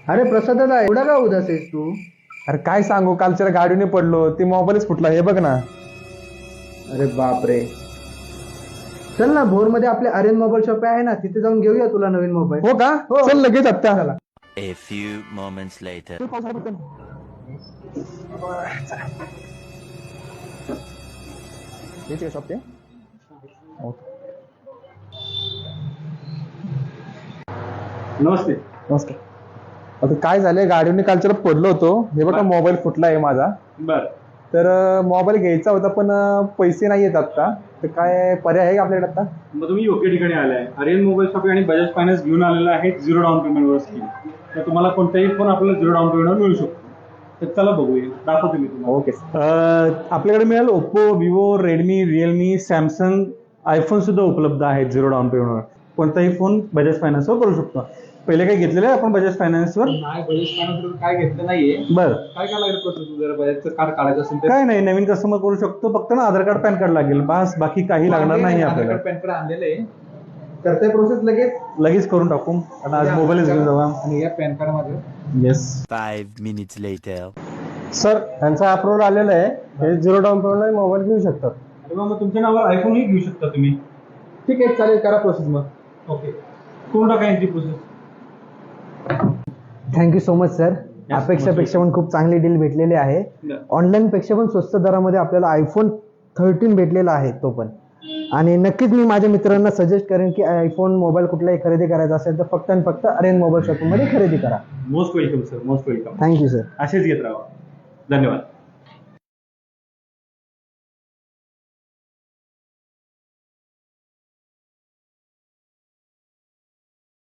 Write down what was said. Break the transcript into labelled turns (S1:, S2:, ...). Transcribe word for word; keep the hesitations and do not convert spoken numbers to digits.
S1: अरे प्रसाद दादा, एवढा का उदास आहेस तू?
S2: अरे काय सांगू, कालच्या गाडीने पडलो, ती मोबाईलच फुटला. हे बघ ना.
S1: अरे बाप रे. चल ना, भोर मध्ये आपले आर्यन मोबाईल शॉप आहे ना, तिथे जाऊन घेऊया तुला नवीन मोबाईल.
S2: हो का?
S1: हो.
S2: चल लगेच आता.
S1: चला.
S3: A few moments later.
S2: Shop ते
S4: नमस्ते.
S2: नमस्कार. आता काय झालंय, गाडीने कालच्या पडलो होतो. हे बघा, मोबाईल फुटला आहे माझा.
S4: बर
S2: तर मोबाईल घ्यायचा होता, पण अं, पैसे नाही येत आता. तर काय पर्याय आहे का आपल्याकडे आता?
S4: मग तुम्ही योग्य ठिकाणी आलाय. आर्यन मोबाईल शॉप आणि बजाज फायनान्स घेऊन आलेला आहे झिरो डाऊन पेमेंटवर स्कीम. तर तुम्हाला कोणताही फोन आपल्याला झिरो डाऊन पेमेंटवर मिळू शकतो. तर चला बघूया, दाखवतो मी तुम्हाला.
S2: ओके.
S4: आपल्याकडे मिळेल Oppo, Vivo, Redmi, Realme, Samsung, iPhone सुद्धा उपलब्ध आहेत झिरो डाऊन पेमेंटवर. कोणताही फोन बजाज फायनान्सवर करू शकतो. पहिले काय घेतलेलं आहे आपण बजाज फायनान्सवर?
S1: नाही, बजाज फायनान्सवर काय घेतलं नाहीये.
S4: बरं,
S1: काय काय लागेल प्रोसेस? जर बजाजचं कार्ड काढायचं असेल तर
S4: काय नाही, नवीन कस्टमर करू शकतो. फक्त ना आधार कार्ड, पॅन कार्ड लागेल, बस. बाकी काही लागणार नाही आपल्याला.
S1: पॅन कार्ड आणलेलं आहे. करताय प्रोसेस लगेच.
S4: लगेच करून टाकू. आता आज मोबाईलच घेऊन जाऊ.
S1: आणि या पॅन कार्ड मध्ये
S4: yes
S3: Five minutes later.
S2: Sir, त्यांचा अप्रुव्हल आलेला आहे. हे झिरो डाऊन पेमेंट मोबाईल घेऊ शकतात.
S4: अरे मग तुमच्या नावावर आयफोनही घेऊ शकता तुम्ही.
S1: ठीक आहे, चालेल, करा प्रोसेस मग.
S4: ओके, करून टाका यांची process.
S1: Thank you so much sir. अपेक्षापेक्षा पण खूप चांगली डील भेटलेली आहे. ऑनलाईन पेक्षा पण स्वस्त दरामध्ये आपल्याला आयफोन थर्टीन भेटलेला आहे तो पण. आणि नक्कीच मी माझ्या मित्रांना सजेस्ट करेन की आयफोन मोबाईल कुठलाही खरेदी करायचा असेल तर फक्त आणि फक्त आर्यन मोबाईल शॉपिंग मध्ये खरेदी करा.
S4: Most welcome sir, most welcome.
S1: Thank you sir.
S4: असेच घेत राहा. धन्यवाद.